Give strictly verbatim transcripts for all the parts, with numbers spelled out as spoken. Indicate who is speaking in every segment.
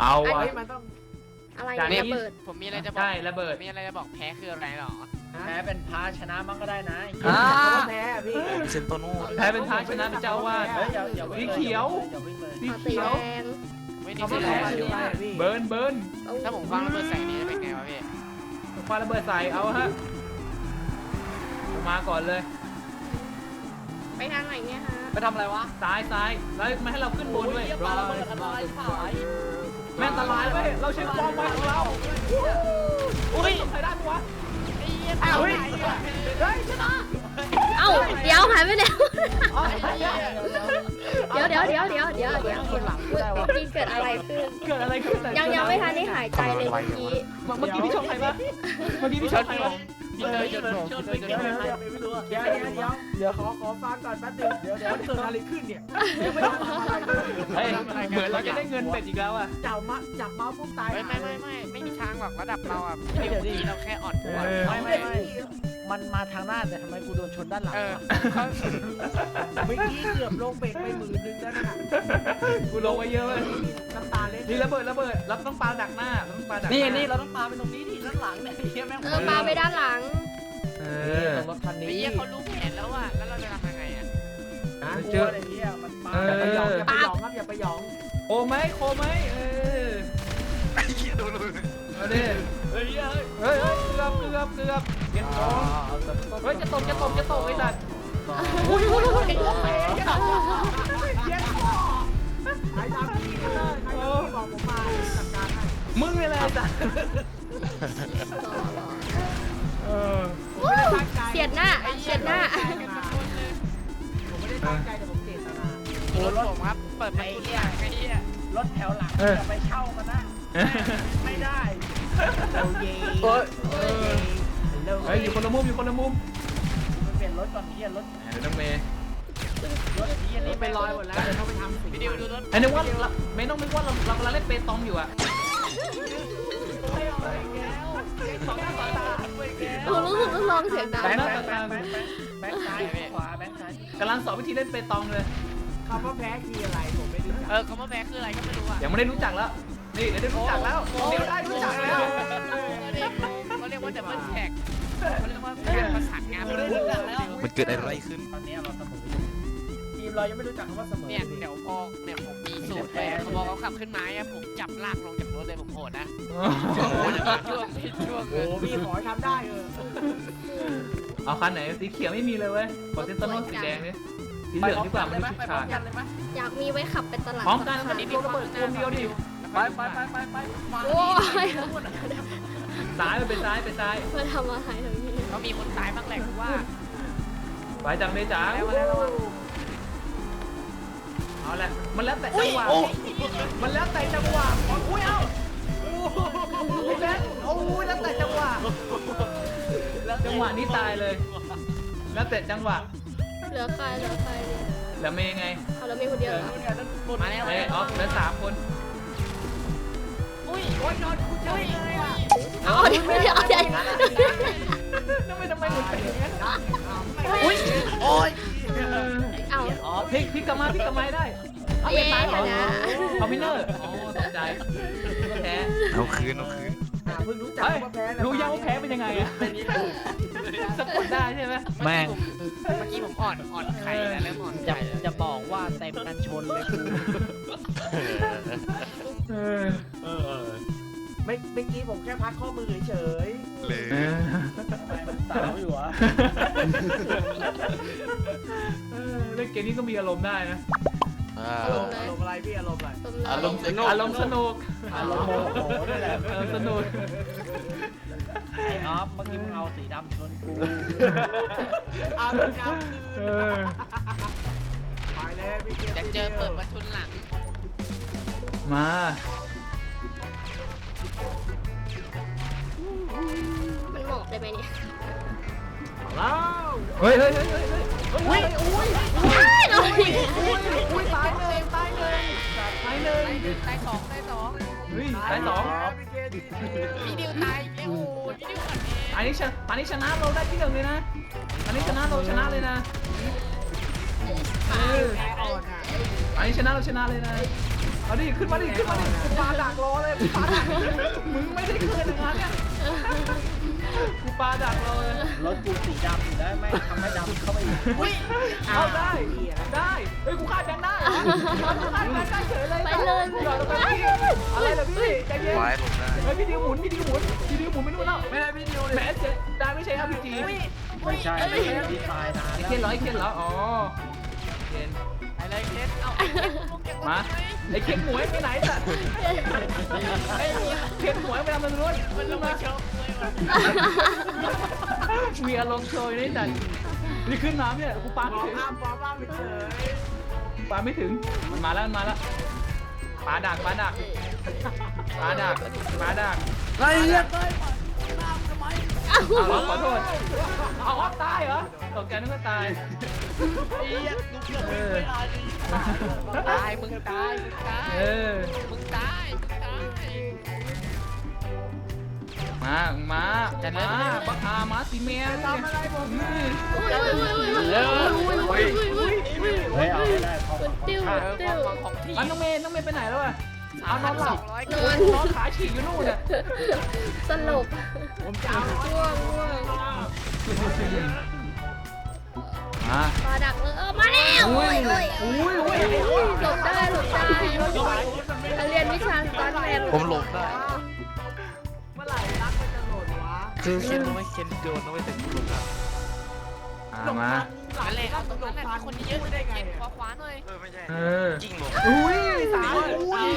Speaker 1: เอา
Speaker 2: ไอ้
Speaker 1: วะ
Speaker 2: นี่มันต้อง
Speaker 3: อะไร
Speaker 1: จาก
Speaker 3: เนี่ย
Speaker 1: นี้
Speaker 3: ระเบิด
Speaker 4: ผมมีอะไรจะบอก
Speaker 1: ใช่ระเบิด
Speaker 4: มีอะไรจะบอกแพ้คืออะไรหรอ
Speaker 5: แพ้เป็นพาชนะมันก็ได้นะ
Speaker 1: อ่า
Speaker 2: แพ้พี่
Speaker 6: เซนโตโน่
Speaker 1: แพ้เป็นพระชนะเป็นเจ้าอาวาส
Speaker 5: เฮ้ยอย่าอย่า
Speaker 1: สีเขียว
Speaker 5: อย่าวิ่งเลย
Speaker 1: สี
Speaker 3: ขอตี
Speaker 1: เขียว
Speaker 3: แรง
Speaker 4: ไม่ได้
Speaker 2: เขา
Speaker 4: คื
Speaker 2: ไม่
Speaker 4: ออะไร
Speaker 2: แพ้อยู่ได้พี่
Speaker 1: เบิร์นเบิร์น
Speaker 4: ถ้าผมฟังระเบิดใส่นี้จะเป็นไงวะพี่
Speaker 1: คว้าระเบิดใส่เอาฮะมาก่อนเลย
Speaker 3: ไปทางไหนเนี่ยฮะ
Speaker 5: ไปทำอะไรวะ
Speaker 1: ซ้ายซ้ายแล้วมาให้เราขึ้นบนด้วย
Speaker 5: ปลาระเบิดอันตรายผาย
Speaker 1: แม่งอันตรายเว้ยเราใช้ความไวของเราอุ้ยใครได้ปะวะ
Speaker 3: เอ้า
Speaker 1: เฮ้ยเฮ้ยชนะ
Speaker 3: เอ้าเดี๋ยวหายไปแล้วเดี๋ยวเดี๋ยวเดี๋ยวเดี๋ยวเดี๋ยวเดี๋ยวเมื่อกี้เกิดอะไรขึ้น
Speaker 1: เกิดอะไรขึ้น
Speaker 3: ยังยังไม่ทันได้หายใจเลยเมื่อกี้
Speaker 1: เมื่อกี้พี่ชนใครปะเมื่อกี้พี่ชนใครปะ
Speaker 4: พี่เตยจนผม
Speaker 5: ชน
Speaker 4: พี่
Speaker 5: ไป
Speaker 4: เตยจ
Speaker 5: เกี่ย
Speaker 4: น
Speaker 5: ว
Speaker 4: ผม
Speaker 5: ใครไม่รู้อะ
Speaker 2: เดี๋ยวเดี๋ยวเดี๋ยวเดี๋ยวขอขอฟังก่อนแป๊บนึงเดี๋ยวเดี๋ยวเกิดอะไรขึ้นเนี่ยยังไม่ได้ทำอะไรเลย
Speaker 1: เฮ้ยเหมือนเราจะได้เงินเป็ดอีกแล้วอ่ะ
Speaker 2: จับมาจับเมาส์ปุ๊บตาย
Speaker 4: ไม่ไม่ไม่ไม่ไม่มีทางหรอกระดับเราอ่ะเดี๋ยวนี้เราแค่อ่อนตัว
Speaker 5: ไม่ไม่ไม่มันมาทางหน้าแต่ทำไมกูโดนชนด้านหลัง
Speaker 4: เออ
Speaker 5: วะ
Speaker 4: เขา
Speaker 2: เมื่อกี้เกือบลงเบรกไปหมื่นนึงแล้วนะ
Speaker 1: กูลงไปเยอะเลย
Speaker 2: น้ำตาเล็ด
Speaker 1: นี่ระเบิดระเบิดเราต้องปาดักหน้าเราต้องปาดัก
Speaker 5: นี่นี่เราต้องปาไปตรงนี้ดิด้านหลังเนี่ยเฮียแม่ง
Speaker 3: เออปาไปด้านหลัง
Speaker 1: เอ
Speaker 5: เอ
Speaker 1: อ
Speaker 5: อรถคันนี้
Speaker 4: ไอ้เหี้ยเขารู้แผนแล้วอ่ะแล้วเราจะทำยังไงอ่ะ
Speaker 2: นะ
Speaker 5: กลัวอะไรเงี้ยมันปา
Speaker 2: อย่าไปหยองอย่าไปหยองครับอย่าไปหยอง
Speaker 1: โอไหมโคไหมเออ
Speaker 6: ไอ้เหี้ยโดนเลย
Speaker 1: เอาดิ
Speaker 5: เฮ้ยเฮ้ย
Speaker 1: เฮ้ยเฮ้ยเกือบเกือบเกือบเก็บของเฮ้ยจะตกจะตกจะตกไอ้สัตว์
Speaker 2: อุ้ยอุ้ยอุ้ยลงเบรกอย่าเย็นคอใครทำพี่กันเลยใครทำพี่บอกผมมาจัดการให้
Speaker 1: มึงนี่แหละไอ้สัตว์เออ
Speaker 2: ผมไม่ได้ตั้งใจ
Speaker 3: เสียดหน้าเสียดหน้า
Speaker 2: ผมไม่ได้ตั้งใจแต่ผมเจตนา
Speaker 4: โอ้รถผมครับเปิดประตูทางไอ้เหี้ย
Speaker 5: รถแถวหลังจะไปเช่ามันนะไม่ได้
Speaker 2: โอ้ย
Speaker 1: โอ้ย
Speaker 2: เฮ้ย
Speaker 1: เฮ้ยอยู่คนละมุมอยู่คนละมุม
Speaker 5: มันเปลี่ยนรถก่อนเฮียรถ
Speaker 1: เดี๋ยวน้องเมย์
Speaker 5: รถเฮีย
Speaker 2: นี่
Speaker 5: นี่
Speaker 2: ไปลอยหมดแล้วเดี๋ยวต้องไปทำสี
Speaker 4: พี่ดิวดูรถ
Speaker 1: ไอ้นึกว่าไม่ต้องนึกว่าเราเรากำลังเล่นเปตองอยู่อะ
Speaker 3: ผมรู้สึกว่าร้องเสียงดัง
Speaker 5: แบงค์แบงค์แบงค์แบงค์แบงค์ซ้ายขวาแบงค์ซ้าย
Speaker 1: กำลังสอนวิธีเล่นเปตองเลย
Speaker 2: คำว่าแพ้คืออะไรผมไม่รู้จัก
Speaker 4: เออคำว่าแพ้คืออะไรก็ไม่รู้อ่ะ
Speaker 1: ยังไม่ได้รู้จักแล้วนี่เดี๋ยวได้รู้จักแล้วเดี๋ยวได้รู้จักแล้ว
Speaker 4: เขาเรียกว่าดับเบิลแท็กเขาเรียกว่าการประสานงาน
Speaker 5: ไม่ได้รู้จักแล้ว
Speaker 6: มันเกิดอะไรขึ้น
Speaker 5: ตอนนี้เราเสมอทีมเรายังไม่รู้จักคำว่าเสมอ
Speaker 4: เนี่ยเดี๋ยวพอเนี่ยผมมีสูตรเลยพอเขาขับขึ้นมาอ่ะผมจับลากลงจากรถเลยผมโหดนะช่วงช่วง
Speaker 2: โอ้พี่ขอให้ทำได้เออ
Speaker 1: เอาคันไหนสีเขียวไม่มีเลยเว้ยขอเซนโตโน่สีแดงนี่สีเหลืองดีกว่ามันไม่
Speaker 5: ไป
Speaker 1: ชุด
Speaker 5: พร้อ
Speaker 1: ขาม ด
Speaker 5: กันเลยไหม
Speaker 3: อยากมีไว้ขับเป็นตลาด
Speaker 1: พร้อมกัน
Speaker 3: สด
Speaker 1: มัน
Speaker 3: ขาย
Speaker 1: โดนระเบิดตัวเดียวดิ
Speaker 5: ไปไปไปไปไป
Speaker 3: โอ้ย
Speaker 1: ซ้ายไปเป็นซ้ายไปซ้าย
Speaker 3: มาทำอะไรตรงนี้
Speaker 4: เขามีคนตายบ้างแหละว่า
Speaker 1: ไปจังเลยจ๋า
Speaker 4: แล้วแล้วแล้ว
Speaker 1: เอาละมันแล้วแต่จังหวะมันแล้วแต่จังหวะอุ้ยเอ้าโอ้ยแบงค์โอ้ยแล้วแต่จังหวะจังหวะนี้ตายเลย แล้วแต่จังหวะ
Speaker 3: เหลือใครเหลือใครเนี่ย
Speaker 1: แล้วเมย์ไง
Speaker 3: เอาแล้วมีคนเดียวเหรอ
Speaker 4: มาแล้ว
Speaker 1: เมย์ออฟเหลือสามคน
Speaker 4: อุ้ยโอ้ยนอนกูเจอเลยอ่ะ
Speaker 3: เอาเดี๋ยวเดี๋ยวเดี๋ยว
Speaker 1: ทำไมทำไมหมุนไปอย่างนั้น
Speaker 3: อุ้ย
Speaker 5: โอ้ย
Speaker 3: เอา
Speaker 1: อ๋อพลิกพลิกกลับมาพลิกกลับมาได้เอาไป
Speaker 3: เย้
Speaker 1: ตาย
Speaker 3: ช
Speaker 1: เหรอ
Speaker 3: นะ
Speaker 1: คอมพิวเตอร์อ๋อตกใจก็แพ้
Speaker 6: เอาคืนเอาคืน
Speaker 2: เพิ่งรู้จัก
Speaker 1: เฮ้ย
Speaker 2: ว่าแพ้
Speaker 1: รู้ยังว่าแพ้เป็นยังไงอะสะกดได้ใช่ไหม
Speaker 6: แม่ง
Speaker 4: เมื่อกี้ผมอ่อนอ่อนไข่แล้วเริ่มอ่อน
Speaker 5: จะ
Speaker 4: ไข่แล้ว
Speaker 5: จะบอกว่าเต็มกันชนเลยกู
Speaker 1: เออ
Speaker 2: ไม่เมื่อกี้ผมแค่พักข้อมือเฉย
Speaker 6: เลย
Speaker 5: มันสาวอยู่อ่ะ
Speaker 1: เออเล่นเกมนี้ก็มีอารมณ์ได้นะ
Speaker 6: อ่า
Speaker 2: อารมณ์อารมณ์อะไรพี่อารมณ์อะไร
Speaker 6: อารมณ์สนุก
Speaker 1: อารมณ์สนุก
Speaker 5: อารมณ์โมโหด้วยแหละ
Speaker 1: เออสนุก
Speaker 5: ไอ้ออฟเมื่อกี้มึงเอาสีดำชนกู
Speaker 2: อารมณ์ครับ
Speaker 1: เออ
Speaker 2: ไปเลยพี่
Speaker 4: จะเจอเปิดประทุนหลัง
Speaker 1: มา
Speaker 3: มันหมอบได้ไหมเนี่ย
Speaker 2: แล้ว
Speaker 1: เฮ้ยเฮ้ยเฮ้ยเฮ้ยเฮ้ย
Speaker 2: อุ้ยอุ้ย
Speaker 3: เอาอีก
Speaker 2: อุ้ยตายเลยตายเลย
Speaker 1: ตายหนึ่ง
Speaker 4: ตายสองตายสอง
Speaker 1: เฮ้ยตายสอง
Speaker 2: พี่เกดี
Speaker 4: พี่ดิวตายเอ้โหพี่ดิวก่อนเอง
Speaker 1: ตอนนี้ชนะตอนนี้ชนะเราได้ที่หนึ่งเลยนะตอนนี้ชนะเราชนะเลยนะเออ
Speaker 2: แกอ่อนอ่ะ
Speaker 1: อันนี้ชนะเราชนะเลยนะเอาดิขึ้นมาดิขึ้นมาดิ
Speaker 2: กูปาดักรอเลยกูปาดัก
Speaker 1: มึงไม่ได้ขึ้นอย่างนั้นเนี่ยกูปาดักเราเลย
Speaker 5: รถกูสีดำอยู่ได้ไหมทำให้ดำเข้าไปอีก
Speaker 1: อุ้ยเอาได้ได้เฮ้ยกูฆ่าแบงค์ได้กูฆ่าแบงค์ได้เฉยเลย
Speaker 3: ไปเลย
Speaker 1: หยอดลงไปพี่อะไรเหรอพี่ใจเย็น
Speaker 6: ไว้ผมได้
Speaker 1: เฮ้ยพี่ดิวหมุนพี่ดิวหมุนพี่ดิวหมุนไม่รู้แล้วไม่ได้พี่ดิวเลยแหมเจ๊ได้ไม่ใช่ อาร์ พี จี
Speaker 5: ไม่ใช่ไม่ใช่ดีไซน์นาน
Speaker 1: ไอ้
Speaker 5: แล้ว
Speaker 1: เคนเหรอไอ้เคนเหรออ๋อเคน
Speaker 4: อะไรเคนเอาไอ้เคนลงจากรถ
Speaker 1: มา
Speaker 4: ทำไม
Speaker 1: ไอ้เคนหมวยไปไหนสัตว์ไอ้เคนหมวยไปทำมันนู้น
Speaker 4: มันลงมาเชียวเลยว่ะ
Speaker 1: มีอารมณ์โชยนี่สัตว์นี่ขึ้นน้ำเนี่ยกูปา
Speaker 2: บ
Speaker 1: ไม่
Speaker 2: อก
Speaker 1: ถึง
Speaker 2: ห้ามบอกห้ามไปเฉย
Speaker 1: ปาไม่ถึงมันมาแล้วมันมาแล้วปาดักปาดักปาดักปาดัก
Speaker 5: ไอ้เหี้ย
Speaker 1: เอาเหรอขอโทษเอาออฟตายเหรอตกใจนึกว่าตาย
Speaker 5: ไอ้เหี้ยกูเกือบ
Speaker 1: เอ
Speaker 5: วิ่ง
Speaker 1: อ
Speaker 5: ไม่ทัน
Speaker 4: ตายมึงตายมึงตาย
Speaker 1: เออ
Speaker 4: มึงตายมึงตาย
Speaker 1: มามาจะมาบักอามาสีเมีย
Speaker 2: ทำอะไรผม
Speaker 1: นี่
Speaker 3: อุ้ยอุ้ยอุ้ยอุ้ยอุ้ยอุ้ยอุ้ยอุ้ย
Speaker 5: เฮ้ยเอาไม่ได้พอ
Speaker 3: มันติ้ว
Speaker 4: เอ
Speaker 3: มัน
Speaker 4: อ
Speaker 3: ติ้ว
Speaker 4: ของของที่
Speaker 1: อันน้องเมย์น้องเมย์ไปไหนแล้วอะเอาน
Speaker 4: พั
Speaker 1: อน นห
Speaker 4: ส
Speaker 1: ลั
Speaker 4: อบ งร้อย
Speaker 3: น
Speaker 4: กิ
Speaker 3: อน
Speaker 1: นอนขาฉีกอยู่นู่นน่ะ
Speaker 3: สลบ
Speaker 2: ผมจะเอา
Speaker 3: ง่วงง่วง
Speaker 1: มา
Speaker 3: ปลาดักเลยเออมาแล้วโอ้ยโอ้ย
Speaker 1: อุ้ยอุ้ยอุ้ย
Speaker 3: หลบได้หลบได้เรียนวิชาสตาร์ทแมน
Speaker 6: ผมหลบได้
Speaker 2: เมื่อไหร่รักมันจะโหลดวะ
Speaker 6: คือเคนต้องไม่เคนโดนต้องไม่ถึงหลบได้
Speaker 1: มามา
Speaker 4: นั่นแหละเอาตรงนั้นแหละมีคนเยอะเลยเก็บขวาขวาหน่อย
Speaker 6: เออไม่ใช่
Speaker 1: เออ
Speaker 6: ยิ่งหลบ
Speaker 1: อุ้ยสาวอุ้ย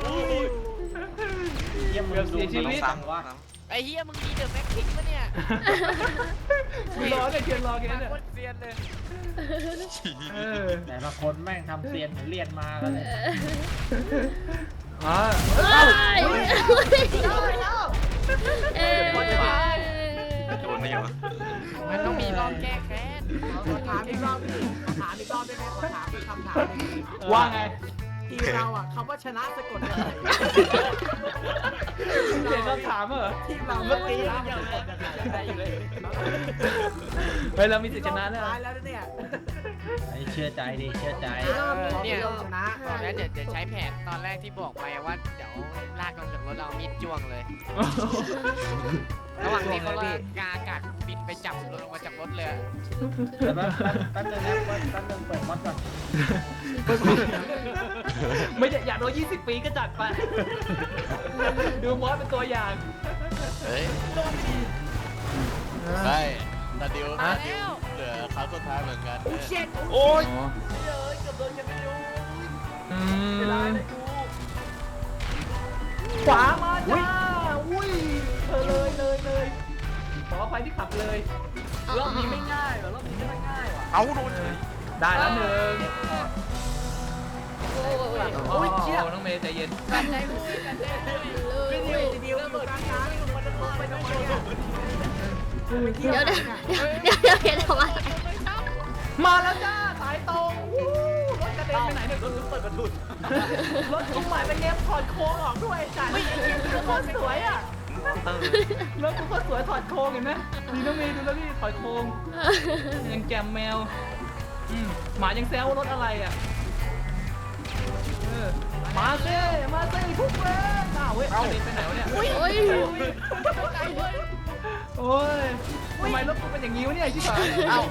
Speaker 5: เยี่ยมมึงดู
Speaker 1: เสียชีวิต
Speaker 5: มันต้องซ้ำวะ
Speaker 4: ไอ้เฮียมึงมีเดอะแม็กพิกปะเนี่ย
Speaker 1: กูรอเนี่ยเคียนรอแก
Speaker 4: มา
Speaker 1: เนี่ย
Speaker 4: โคตรเซียนเลย
Speaker 1: เออ
Speaker 5: แต่ละคนแม่งทำเซียนเหมือนเรียนมากันเลย
Speaker 1: อ่า
Speaker 3: เอ้ยเอ้ย
Speaker 6: โดนไม่อยู่
Speaker 4: มันต้องมีรอบแก้แค้น
Speaker 2: ขอถามอีกรอบดิขอถามอีกรอบได้ไหมขอถามอีกคำถามหนึ่ง
Speaker 1: ว่าไง
Speaker 2: ทีมเราอ่ะคำว่าชนะสะกดยังไง
Speaker 1: เขียนคำถามเหรอ
Speaker 2: ทีมเรา
Speaker 5: เมื่อ
Speaker 2: ไม่
Speaker 5: กี้
Speaker 2: ชนะ
Speaker 5: ยัง
Speaker 2: สะก
Speaker 5: ก
Speaker 2: ด
Speaker 5: ด
Speaker 2: ยังไง
Speaker 5: ได้อยู่เลย
Speaker 1: เฮ้ยเรามีสิทธิ์ชนะแล้ว
Speaker 2: ท้ายแล้วเนี่ย
Speaker 5: ไอ้เชื่อใจดิเชื่อใจ
Speaker 4: เนี่ย
Speaker 2: ชนะ
Speaker 4: แล้วเดี๋ยวจะใช้แผนตอนแรกที่บอกไปว่าเดี๋ยวลากลงจากรถเรามีดจ้วงเลย ระหว่างที่เขากาอากาศบินไปจับรถลงมาจากรถเลย
Speaker 5: แต่แป๊บแป๊บนึงนะแป๊บนึงเปิดมอดก่อน
Speaker 1: ไม่อยากโดนยี่สิบปีก็จัดไป ดูมอสเป็นตัวอย่าง
Speaker 6: เฮ้ยใช่ตาดิว
Speaker 4: มา
Speaker 6: ตาดิ
Speaker 4: แล้ว ว
Speaker 6: เหลือครั้งสุดท้ายเหมือนกัน
Speaker 2: เช็ด
Speaker 1: โอ้ย
Speaker 5: เลยเกือบโดนกันไม่รู้
Speaker 1: อื
Speaker 5: เวลาม ได้กู
Speaker 1: ขวามาจ้า อุ้ยเธอเลยเลยเลยขออภัยที่ขับเลย
Speaker 5: รอบนี้ไม่ง่ายว่ะรอบนี้ไม่ง่ายว่ะ
Speaker 6: เอาโดน
Speaker 1: ได้แล้วหนึ่ง
Speaker 3: โอ้ย
Speaker 1: โอ้ยเชี่ยน้องเมย์ใจเย็น
Speaker 4: กันใจพูดกันใจพูด
Speaker 2: วิดีโอวิดีโออยู่กลางน้ำอยู่บนรถไปทำไมเนี่ยไปเที่ยว
Speaker 3: เดี๋ยว
Speaker 2: กัน
Speaker 3: เดี๋ยวเดี๋ยวเดี๋ยวเห็นทำไม
Speaker 1: มาแล้วจ้า สายตรงวู้รถกระเด็นไปไหนเนี่ย
Speaker 5: รถเปิดประทุน
Speaker 1: รถกูใหม่เป็นเนมถอดโค้งออกด้วยจ้ะไม่เห็นรถโคตรสวยอ่ะ
Speaker 6: เออ
Speaker 1: รถกูโคตรสวยถอดโค้งเห็นไหมดีน้องเมย์ดูแล้วพี่ถอดโค้งยังแจมแมวอืมหมายังแซวว่ารถอะไรอ่ะเออมาเซ่มาเซ่ทุกเว้ยอ้าวเว้ยกระเด็นไปไหนวะเนี่ย
Speaker 3: โอ้ย
Speaker 1: โอ้ยทำไมรถกูเป็นอย่างนี้วะเนี่ยชิบหาย
Speaker 6: เอ้า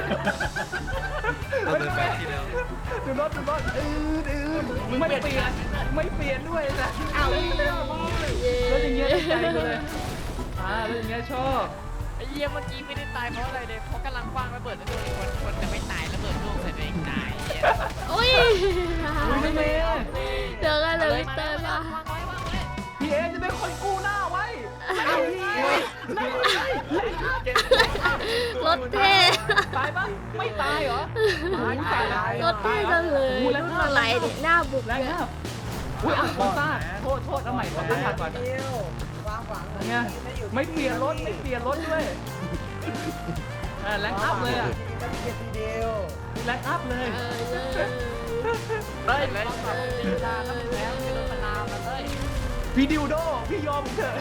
Speaker 6: เราเดินไปที่แล้ว
Speaker 1: ดูรถดูรถอืดอืดไม่เปลี่ยนไม่เปลี่ยนด้วยนะอ้าวรถอย่างเงี้ยได้ใจกูเลยอ่ารถอย่างเงี้ยชอบ
Speaker 4: ไอ้เยี่ยเมื่อกี้ไม่ได้ตายเพราะอะไรเลยเพราะกำลังคว้างระเบิดแล้วโดนคนคนจะไม่ตายระเบิดลูกใส่ตัวเองตาย
Speaker 3: โอ้ย
Speaker 1: อุ้ยน้องเมย์
Speaker 3: เดี๋ยวกันเลยเติมมา
Speaker 4: วางไว้วางไว้
Speaker 1: พี่เอจะเป็นคนกู้หน้าไว้เอาพี่ไม่ใช่
Speaker 3: รถเท่
Speaker 1: ตายปะไม่ตายเหรอตาย
Speaker 3: รถเท่จังเลยรุ่นอะไรเนี่ยหน้าบุก
Speaker 1: แรง
Speaker 3: เนี่ย
Speaker 1: มากอุ้ยอ่ะโทษซ่าโทษโทษเอาใหม่ขอตั้งหัดก่อน
Speaker 2: เที่ยววางฝัง
Speaker 1: เนี่ยไม่เปลี่ยนรถไม่เปลี่ยนรถด้วยอ่าแรงอัพเลยอ่ะ
Speaker 2: ก็มีแค่ทีเดียว
Speaker 1: แรงอัพเลย
Speaker 3: เออเลย
Speaker 4: เฮ้ยเลยตีลาแล้วเป็นแล้วเป็นรถมะนาวมาเลย
Speaker 1: พี่ดิวโดพี่ยอมเถอะ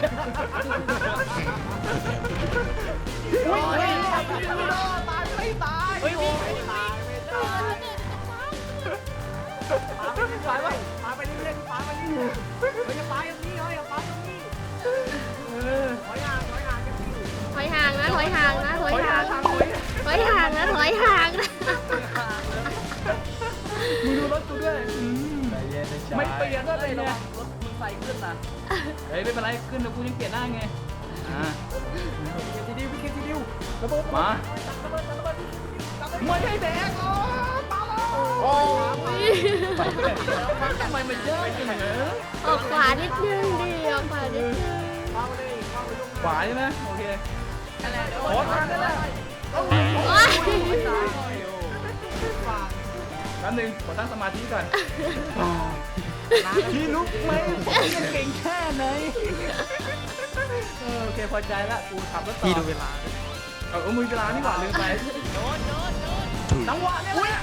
Speaker 1: อุ้ยพี่ดิวโดตายไม่ตาย
Speaker 4: เฮ้ย
Speaker 1: โอ้
Speaker 4: วิ่ง
Speaker 1: ย
Speaker 4: วิ่งวิ่ง
Speaker 2: ปาไปปาไปเรื่อยๆปาไปเรื่อยๆเฮ้ยอย่าปาอย่างนี้เฮ้ยอย่าปาอย่างนี้
Speaker 1: เออ
Speaker 2: ถอยห่างถอยห่างกันอยู่
Speaker 3: ถอยห่างนะถอยห่างนะถอยห่าง
Speaker 1: ทางถอย
Speaker 3: ถอยห่างนะถอยห่างนะ
Speaker 1: มึงดูรถกูด้วยอืม
Speaker 5: ใจเย็นใจ
Speaker 1: ไม่เปลี่ยนด้วยเลย
Speaker 5: ระ
Speaker 1: เนี่
Speaker 5: วั
Speaker 1: ย
Speaker 5: งรถมึงใส่ขึ้นนะ
Speaker 1: เฮ้ยไม่เป็นไรขึ้นแล้วกูยังเปลี่ยนหน้าไงอ่า
Speaker 2: ทีดิวพี่คิดทีดิวระเบิด
Speaker 1: มา
Speaker 2: ระเบิดระเบิด
Speaker 1: ไม่ใช่แดงอ๋อตาโอ้ทำไมมันเยอะจังเหรอ
Speaker 3: ออกขวานิดนึงดิออกขวานิดนึง
Speaker 2: เข้าเลยเข้าไปตรง
Speaker 1: ขวาใช่ไหมโอเค
Speaker 4: อะไรเดี๋ยว
Speaker 1: โอ้ทางนั้นแหละ
Speaker 3: โอ้ย
Speaker 2: ฝั่ง
Speaker 1: แป๊บนึงขอตั้งสมาธิก่อนพี่ลุกไหมยังเก่งแค่ไหนเออโอเคพอใจละกูขับรถต่อ
Speaker 6: พี่ดูเวลา
Speaker 1: เอาเอามือเวลานี่หว่าลืมไป
Speaker 4: โดนโดนโดน
Speaker 1: จังหวะเนี่ยแหละ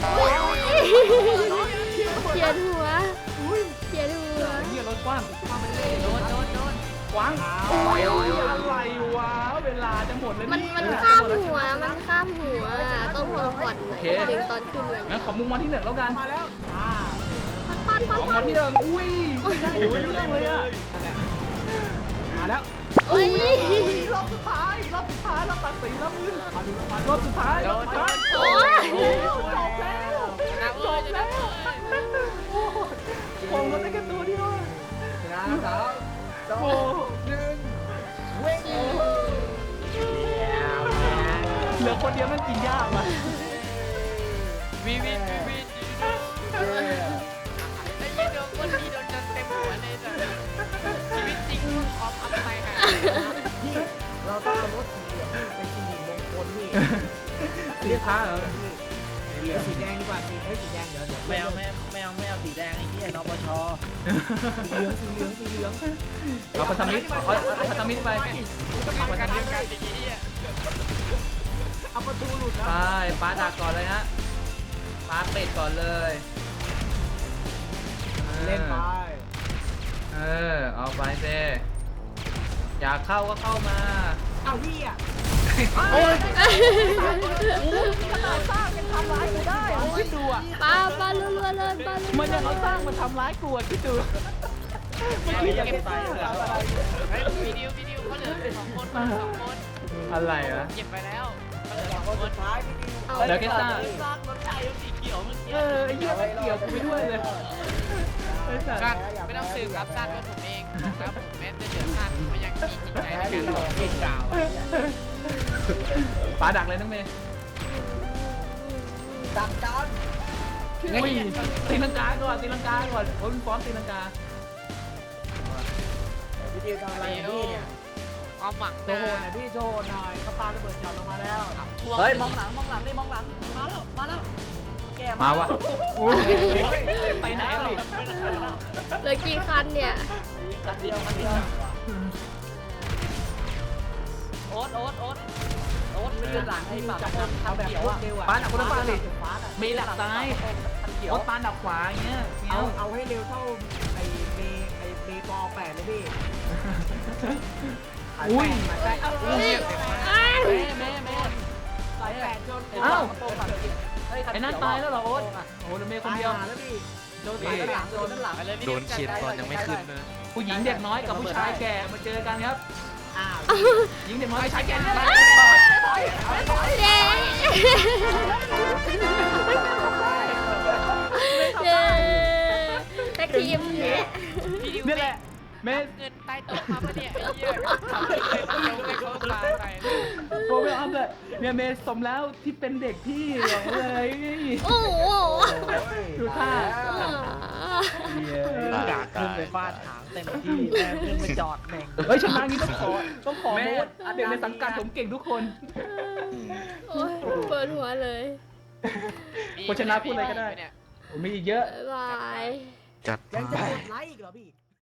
Speaker 3: เขียนหัวเขียนหัว
Speaker 1: เฮียรถกว้าง
Speaker 4: โดนโดนโดน
Speaker 1: กว้างอะไรวะเวลาจะหมดแล้ว
Speaker 3: มัน
Speaker 1: นี่
Speaker 3: มันข้ามหัวมันข้ามหัวต้องพอผ่อนหน่อยดึงตอนขึ้นเลย
Speaker 1: งั้นขอมุมวันที่หนึ่งแล้วกัน
Speaker 2: มาแล้วอ่า
Speaker 3: ปั้น
Speaker 1: ข
Speaker 3: ปั้น
Speaker 1: อ
Speaker 3: ปั้
Speaker 1: มาน ที่หนึ่งอุ้ยไม่ได้เรื่องเลยอะ
Speaker 2: มาแล้ว
Speaker 3: โอ้ย
Speaker 1: รอบสุดท้ายรอบสุดท้ายรอบตัดสินรอบมือรอบสุดท้าย
Speaker 4: โด
Speaker 1: รอบ
Speaker 4: น
Speaker 1: สุด
Speaker 4: โด
Speaker 1: ท้าย
Speaker 4: น
Speaker 3: โอ้ย
Speaker 1: จบแล้ว
Speaker 4: นะเอ้ยนะเอ้ย
Speaker 1: ผมก็ได้แค่ตัวเดียว
Speaker 2: นะสาวสอง
Speaker 1: โอ้
Speaker 2: หนึ่งเว้ง
Speaker 1: เหลือคนเดียวมันกินยากว่ะ
Speaker 4: วีวีวีวีไอ้ยี่โดนคนนี้โดนจนเต็มหัวเลยจ้ะชีวิตจริงออฟอัพไปค่ะ
Speaker 2: นี่เราต้องเอารถสีเหลืองไปสีมงคลนี่
Speaker 1: สีฟ้าเหรอ
Speaker 2: เหลือสีแดงดีกว่าสีเฮ้ยสีแดงเดี๋ยวเดี๋ยว
Speaker 5: แมวแมวแมวแมวสีแดงไอ้เหี้ยนปช
Speaker 2: สีเหลืองสีเหลืองสีเหลือง
Speaker 1: เอาพันธมิตรเอาเอาพันธมิตรไป
Speaker 4: ต้องมีการเดียวกันอย่างนี้อ่ะ
Speaker 2: เอาประตูหลุดแล้ว
Speaker 1: ไปปลาดักก่อนเลยฮะปลาเป็ดก่อนเลย
Speaker 2: เล่นไป
Speaker 1: เออเอาไปเซอยากเข้าก็เข้ามา
Speaker 2: เอาพี่อ่ะ
Speaker 1: โอ้ย
Speaker 2: ขนาดสร้างยังทำร้ายกูได้เอาคิดดูอ่ะ
Speaker 3: ปลาปลารัวๆเลยปลารัวๆ
Speaker 1: มันยังเอาสร้างมาทำร้ายกูอ่ะคิดดู
Speaker 5: ไม่มียังตายเลย
Speaker 4: เฮ้ยวิดีโอวิดีโอเขาเหลือสองคนสองคน
Speaker 1: อะไรวะ
Speaker 4: เก็บไปแล้วเขาเหลือสอง
Speaker 2: คน
Speaker 4: ค
Speaker 2: สุ
Speaker 4: น
Speaker 2: ดท้ายพี่ดิว
Speaker 3: เอา
Speaker 1: เดี๋ยวแกซ่า
Speaker 5: สร้างรถไฟสีเขียวเมื่อกี้
Speaker 1: เออไอ้เหี้ยไม่เกี่ยวกูไปด้วยเลยไอ้สัส
Speaker 4: ก็ไม่ต้องสืบรับสั้นว่าผมเองแล้วผมแม้จะเดือดสั้นผมยังมีจิตใจในการต่อสู้กล่าว
Speaker 1: ปลาดักเลยน้องเมย์
Speaker 2: ดักจาน
Speaker 1: อุ้ยตีลังกาก่อนตีลังกาก่อนโอ้ยฟ้อนตีลังกา
Speaker 2: พี่ดิวทำอะไรพี่เนี่ย
Speaker 4: ความหวัง
Speaker 2: โชว์หน่อยพี่โชว์หน่อยเขาปาระเบิดจอดลงมาแล้ว
Speaker 5: เฮ้ยมองหลังมองหลังนี่มองหลังมาแล้วมาแล้วแก
Speaker 1: มาวะไปไหนเลย
Speaker 3: เหลือกี่คันเนี่ย
Speaker 5: คันเดียวคันเดียวโอ๊ตโอ๊ตโอ๊ตโอ๊ตไม่ยืนหลังให้ปากคัน
Speaker 2: เอาแบบ
Speaker 5: เขียว
Speaker 2: รว
Speaker 5: อ่ะ
Speaker 2: ดเร็วอ่ะ
Speaker 1: ปลาดักคนละปลาดิ
Speaker 2: ฟ้าอ่ะ
Speaker 1: มีหลักซ้าย
Speaker 5: คันเขียว
Speaker 1: รถปลาดักขวาอย่างเงี้ย
Speaker 2: เอา
Speaker 1: เอา
Speaker 2: เอาให้เร็วเท่าไอ้เมย์ไอ้เมย์ปอแปดเลยพี่
Speaker 1: อุ้ย
Speaker 2: ใช่เอา
Speaker 4: เรียกเต็มมา
Speaker 3: อ้าว
Speaker 5: แม่แม่แม่
Speaker 2: สายแปดจน
Speaker 1: เอ้า
Speaker 5: โตฝั่งเฮ้ยคัน
Speaker 1: ไอ้นั่น
Speaker 5: เขียว
Speaker 1: ตายแล้วเหรอโอ๊ตโอ้โหเมย์คนเดียว
Speaker 2: ตาแล้วพี่
Speaker 5: โดนสายหลังโดนด้านหลัง
Speaker 4: ไปเลย
Speaker 6: โดนเฉียดตอนยังไม่ขึ้นเลย
Speaker 1: ผู้หญิงเด็กน้อยกับผู้ชายแก่มาเจอกันครับ
Speaker 2: อ้าว
Speaker 1: หญิงเด็กน้อยผู้ชายแก่เนี่ย
Speaker 3: เย้เย้แท็กทีมเนี่ย
Speaker 4: พี่ดิว
Speaker 1: นี่แหละเมย์
Speaker 4: เงินใต้โต๊ะมาปะเนี่ยไอ้เหี้ยทำเป็นเล่นเดียวไปเขาปลาไป
Speaker 1: โปรเวลอัพเลยเนี่ยเมย์สมแล้วที่เป็นเด็กพี่บอกเลย
Speaker 3: โอ้โห
Speaker 1: ดูท่า
Speaker 5: อยากขึ้นไปฟาดหางเต็มที่แม่ขึ้นไปจอดแม่ง
Speaker 1: เฮ้ยชนะนี้ต้องขอต้องขอ
Speaker 5: แม่
Speaker 1: โน้ตเด็กในสังกัดผมเก่งทุกคน
Speaker 3: โอ้ยเปิดหัวเลย
Speaker 1: คนชนะพูดอะไรก็ได้ ผมมีอีกเยอะ
Speaker 3: บ๊ายบาย
Speaker 6: จัด
Speaker 2: ยังจะ
Speaker 6: ไป
Speaker 2: กดไลค์อีกเหรอพี่